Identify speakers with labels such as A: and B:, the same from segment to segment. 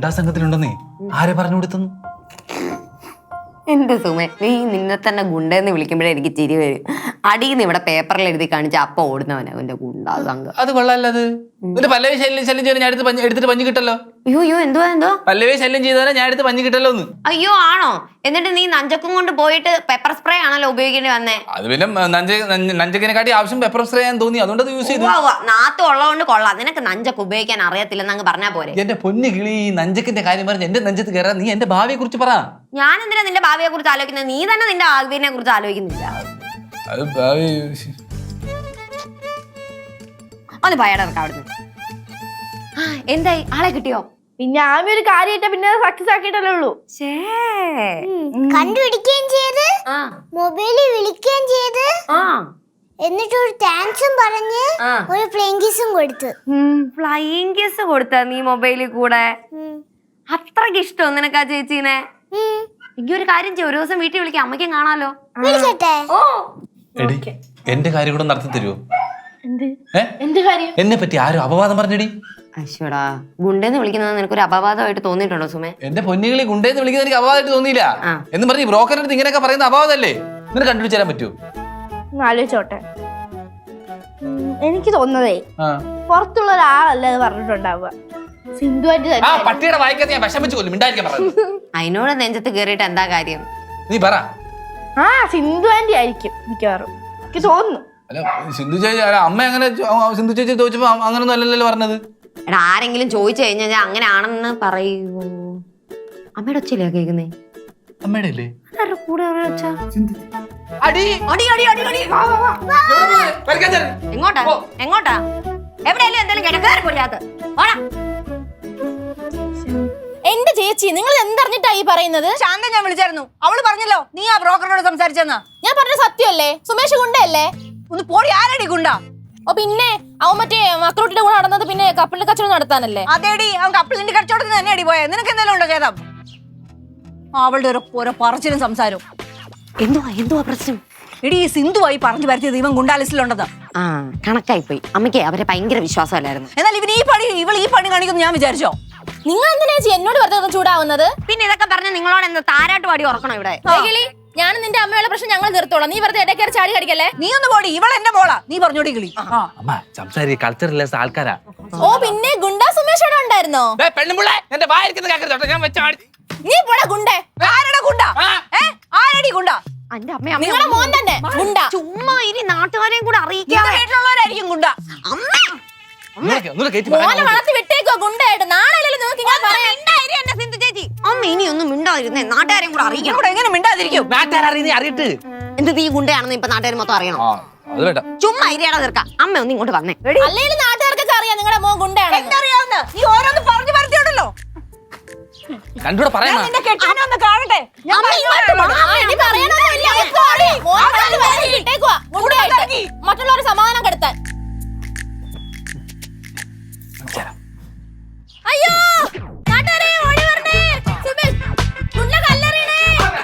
A: ഗുണ്ടാ സംഘത്തിലുണ്ടെന്നേ ആരെ പറഞ്ഞു കൊടുത്തു?
B: എന്റെ സുമേ, നീ നിന്നെ തന്നെ ഗുണ്ടെന്ന് വിളിക്കുമ്പോഴേ എനിക്ക് ചിരി വരും. അടിയിൽ ഇവിടെ പേപ്പറിൽ എഴുതി കാണിച്ച അപ്പ ഓടുന്നവനാ എന്റെ ഗുണ്ടാ സംഘം.
A: അത് കൊള്ളാല്ലത്. പല്ലവി ശല്യം ചെയ്താൽ ഞാൻ എടുത്തിട്ട് പഞ്ഞു കിട്ടല്ലോ.
B: അയ്യോ എന്തോ
A: പല്ലവി ശല്യം ചെയ്താൽ ഞാൻ എടുത്ത് പഞ്ഞു കിട്ടല്ലോ എന്ന്.
B: അയ്യോ ആണോ? എന്നിട്ട് നീ നഞ്ചക്കും കൊണ്ട് പോയിട്ട് പെപ്പർ സ്പ്രേ ആണല്ലോ ഉപയോഗിക്കേണ്ടി വന്നേ.
A: അത് പിന്നെ നഞ്ചക്കിനെക്കാട്ടി ആവശ്യം പെപ്പർ സ്പ്രേ ഞാൻ തോന്നി, അതുകൊണ്ട് യൂസ് ചെയ്തു.
B: നാത്ത് ഉള്ളതുകൊണ്ട് കൊള്ളാം. നിനക്ക് നഞ്ചക്ക് ഉപയോഗിക്കാൻ അറിയത്തില്ലെന്ന് അങ്ങ് പറഞ്ഞാ പോരെ.
A: എന്റെ പൊന്നു കിളി, നഞ്ചക്കിന്റെ കാര്യം പറഞ്ഞ് എന്റെ നെഞ്ചത്ത് കയറാൻ നീ എന്റെ ഭാവിയെ കുറിച്ച് പറ.
B: ഞാൻ എന്തിനാ നിന്റെ ഭാവിയെ കുറിച്ച് ആലോചിക്കുന്നത്? നീ തന്നെ നിന്റെ ഭാവിയെ കുറിച്ച് ആലോചിക്കുന്നില്ല. ഒന്ന് ഭയടക്ക അവിടുന്ന്. എന്തായി, ആളെ കിട്ടിയോ?
C: പിന്നെ ആമി ഒരു കാര്യമായിട്ട് പിന്നെ സക്സസ് ആക്കിയിട്ടല്ലേ ഉള്ളൂ.
D: കണ്ടുപിടിക്കുകയും ചെയ്ത് മൊബൈലിൽ വിളിക്കുകയും ചെയ്ത് എന്നിട്ട് ഒരു താങ്ക്സും പറഞ്ഞ് ഒരു ഫ്ലൈയിങ് കിസും കൊടുത്തു.
B: ഫ്ലൈയിങ് കിസ് കൊടുത്ത നീ മൊബൈലിൽ കൂടെ? അത്രക്ക് ഇഷ്ടോ നിനക്ക് ആ ചേച്ചീനെ? എനിക്ക് ഒരു കാര്യം ചെയ്യും, ഒരു ദിവസം വീട്ടിൽ വിളിക്കാം, അമ്മയ്ക്കും കാണാലോ.
A: എന്റെ കാര്യം കൂടെ നടത്തി തരുമോ?
C: എന്ത് കാര്യം?
A: എന്നെ പറ്റി ആരും അപവാദം പറഞ്ഞടി.
B: അശ്വടാ, ഗുണ്ടെന്ന് വിളിക്കുന്നത് നിനക്കൊരു അപവാദമായിട്ട് തോന്നിയിട്ടുണ്ടോ സുമേ?
A: എന്റെ പൊന്നുകളി, ഗുണ്ടെന്ന് വിളിക്കുന്നത് എനിക്ക് അപവാദമായിട്ട് തോന്നിയില്ല. എന്ന് പറഞ്ഞ് ബ്രോക്കറിന്റെ അടുത്ത് ഇങ്ങനെയൊക്കെ പറയുന്ന അപവാദമല്ലേ? നിനക്ക് കണ്ടുപിടിച്ച് തരാൻ പറ്റുമോ?
C: ആലോചിച്ചോട്ടെ. എനിക്ക് തോന്നുന്നതേ പുറത്തുള്ള ഒരാളല്ലേ അത് പറഞ്ഞിട്ടുണ്ടാവുക.
A: പട്ടിയുടെ വായിക്കാത്ത ഞാൻ വിഷം വെച്ച് കൊല്ലും. മിണ്ടായിരിക്കാൻ പറഞ്ഞു.
B: അതിനോട് നെഞ്ചത്ത് കേറിയിട്ട് എന്താ കാര്യം?
A: നീ പറ.
C: സിന്ധു ആന്റി ആയിരിക്കും മിക്കവാറും, എനിക്ക് തോന്നുന്നു.
A: അല്ല സിന്ധു ചേച്ചി, അമ്മ അങ്ങനെ സിന്ധു ചേച്ചി ചോദിച്ചപ്പോ അങ്ങനൊന്നും അല്ലല്ലോ പറഞ്ഞത്.
B: എടാ, ആരെങ്കിലും ചോദിച്ചു കഴിഞ്ഞാൽ അങ്ങനെയാണെന്ന് പറയൂ. അമ്മയുടെ ഒച്ചയില്ലേ കേൾക്കുന്നേ?
A: അമ്മയുടെ അല്ലേ
B: കൂടെ എങ്ങോട്ടാ എങ്ങോട്ടാ? എവിടെയല്ലേ എന്തായാലും കിടക്കാറില്ലാത്ത.
C: എന്റെ ചേച്ചി, നിങ്ങൾ എന്തറിഞ്ഞിട്ടാ ഈ പറയുന്നത്?
E: ശാന്ത ഞാൻ വിളിച്ചായിരുന്നു, അവള് പറഞ്ഞല്ലോ നീ ആ ബ്രോക്കറിനോട് സംസാരിച്ചെന്നാ.
C: ഞാൻ പറഞ്ഞ സത്യമല്ലേ? സുമേഷ് ഗുണ്ടയല്ലേ?
E: ഒന്ന് പോടി, ആരടി ഗുണ്ട?
C: ഓ പിന്നെ അവൻ മറ്റേ മക്രോട്ടിന്റെ കൂടെ നടന്നത് പിന്നെ കപ്പലിന്റെ കച്ചവടം നടത്താനല്ലേ?
E: അതേടി, അവൻ കപ്പലിന്റെ കച്ചവടത്തിന് തന്നെ അടി പോയെ. നിനക്ക് എന്തെങ്കിലും ഉണ്ടോ ചേതം? അവളുടെ ഓരോ പറച്ചിലും സംസാരവും.
B: എന്തുവാ പ്രശ്നം?
E: എടി, സിന്ധുവായി പറഞ്ഞു പരത്തിയത് ഇവൻ ഗുണ്ടാലിസ്റ്റിലുണ്ടെന്ന്.
B: കണക്കായി പോയി. അമ്മയ്ക്ക് അവരെ ഭയങ്കര വിശ്വാസമല്ലായിരുന്നു.
E: എന്നാൽ ഇവൾ ഈ പണി കാണിക്കുന്നു ഞാൻ വിചാരിച്ചോ?
C: നിങ്ങൾ എന്തിനാ ചേച്ചി എന്നോട് വെറുതെ ചൂടാവുന്നത്?
B: പിന്നെ ഇതൊക്കെ പറഞ്ഞ നിങ്ങളോട് എന്താ താരാട്ട് പാടി ഉറക്കണോ ഇവിടെ?
C: ഞാൻ നിന്റെ അമ്മയുള്ള പ്രശ്നം ഞങ്ങൾ നിർത്തോളാം. നീ വെറുതെ ഇടയ്ക്കേറി ചാടി കടിക്കല്ലേ?
E: നീ ഒന്ന് പോടി, ഇവൾ എന്റെ മോളാ. നീ പറഞ്ഞോടി കിളി.
A: കൾച്ചറലെസ് ആൾക്കാരാ.
C: ഓ പിന്നെ ഗുണ്ടാ സുമേഷ് അവിടെ ഉണ്ടായിരുന്നോ? നീ പോടാ ഗുണ്ടേ.
E: ആരടാ ഗുണ്ട? ആരടി ഗുണ്ട?
C: നിങ്ങളുടെ മോൻ തന്നെ ഗുണ്ട.
B: ചുമ്മാ ഇനി നാട്ടുകാരെയും കൂടെ അറിയിക്കാം.
E: വീട്ടിലുള്ളവരായിരിക്കും ഗുണ്ട.
C: മോനെ വളർത്തി വിട്ടേക്കോ ഗുണ്ടയായിട്ട്. നാളെ നിങ്ങൾക്ക് ഇങ്ങനെ പറയാൻ.
B: സിന്ധു ചേച്ചി, അമ്മ ഇനിയൊന്നും മിണ്ടാതിരുന്നേ, നാട്ടുകാരെയും കൂടെ അറിയിക്കണം.
E: എങ്ങനെ മിണ്ടാതിരിക്കും?
A: അറിയട്ട്
B: എന്ത് നീ ഗുണ്ടയാണെന്ന് ഇപ്പൊ നാട്ടുകാർ മൊത്തം അറിയണം. ചുമ്മാ ഇരിയാടാ തീർക്കാം. അമ്മ ഒന്ന് ഇങ്ങോട്ട് വന്നേ.
C: അല്ലെങ്കിൽ നാട്ടുകാർക്കൊക്കെ അറിയാം നിങ്ങളുടെ മോൻ ഗുണ്ടയാണ്.
E: എന്തറിയാവുന്ന നീ ഓരോന്ന് പറഞ്ഞു പരത്തിയോണ്ടല്ലോ.
A: കണ്ടൂടെ പറയാ
E: നിന്റെ കെട്ടാനൊന്ന് കാണട്ടെ.
C: മറ്റുള്ളവരെ സമാധാനം കെടുത്താൻ. അയ്യോ നാട്ടുകാരെ ഓടി വരണേ. സുമേഷ് ഗുണ്ട കല്ലെറിയണേ.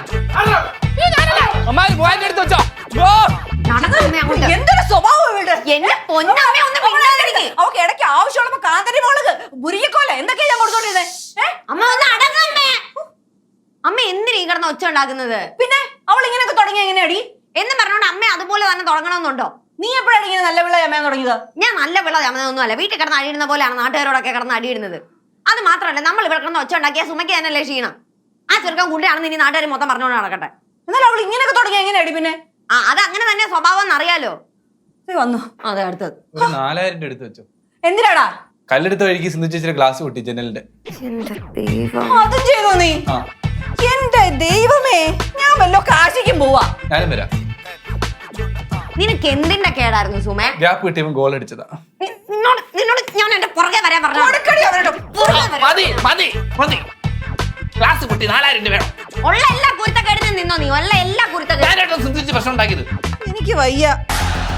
E: എന്തൊരു സ്വഭാവം ഇവളുടെ.
B: എന്നെ പൊന്നമ്മ ഒന്ന് മിണ്ടാതിരിക്ക്.
E: അവക്ക് ഇടയ്ക്ക് ആവശ്യമുള്ളപ്പോ കാന്തരി മുളക്, മുരിക്കോല എന്തൊക്കെയാ ഞാൻ കൊടുത്തോണ്ടിരുന്നേ?
B: അമ്മ ഒന്ന് അടങ്ങമ്മേ. അമ്മ എന്തിനാ ഈ കിടന്ന് ഒച്ച ഉണ്ടാക്കുന്നത്?
E: പിന്നെ അവൾ ഇങ്ങനെയൊക്കെ തുടങ്ങിയ എങ്ങനെയാടി
B: എന്ന് പറഞ്ഞോണ്ട് അമ്മ അതുപോലെ തന്നെ തുടങ്ങണമെന്നുണ്ടോ?
E: നീ എപ്പോഴാണ് ഇങ്ങനെ നല്ല പിള്ള ചമയാൻ തുടങ്ങിയത്?
B: ഞാൻ നല്ല പിള്ള ചമയൊന്നും അല്ല. വീട്ടിൽ കിടന്ന് അടിയിടുന്ന പോലെയാണ് നാട്ടുകാരോടൊക്കെ കിടന്ന് അടിയിടുന്നത്. അത് മാത്രമല്ല, നമ്മൾ ഇവിടെ കിടന്ന് ഒച്ച ഉണ്ടാക്കിയ സുമയ്ക്ക് തന്നെയല്ലേ ക്ഷീണം. ആ ചെറുക്കൻ ഗുണ്ടയാണെന്ന് ഇനി നാട്ടുകാർ മൊത്തം പറഞ്ഞുകൊണ്ട് നടക്കട്ടെ.
E: എന്നാൽ അവൾ ഇങ്ങനെയൊക്കെ തുടങ്ങിയ എങ്ങനെയാടി? പിന്നെ
B: അത് അങ്ങനെ തന്നെ സ്വഭാവം എന്നറിയാലോ.
E: വന്നു.
B: അതെ, അടുത്തത്
A: 4000 രൂപ എടുത്ത് വെച്ചോ.
E: എന്തിനാടാ?
A: കല്ലെടുത്ത വഴിക്ക് സിന്ധു ചേച്ചിയുടെ ഗ്ലാസ് പൊട്ടി ജനലിന്റെ.
E: അതും ചെയ്തോ നീ? എന്റെ ദൈവമേ, ഞാൻ വല്ലോ കാശിക്കും പോവാ.
A: ഞാനും വരാം.
B: നിനക്ക് എന്തിന്റെ കേടായിരുന്നു സുമേ?
A: ഗ്യാപ്പ് കിട്ടിയപ്പോൾ ഗോൾ അടിച്ചതാ.
B: നിന്നോട് ഞാൻ എന്റെ പുറകെ വരാൻ പറഞ്ഞു.
A: ഗ്ലാസ് പൊട്ടി 4000 രൂപ വേണം.
B: ഉള്ള എല്ലാ കുരുത്തക്കേടിനും നിന്നോ നീ? ഉള്ള എല്ലാ കുരുത്തക്കേടും
A: പ്രശ്നം ഉണ്ടാക്കിയത്
E: എനിക്ക് വയ്യ.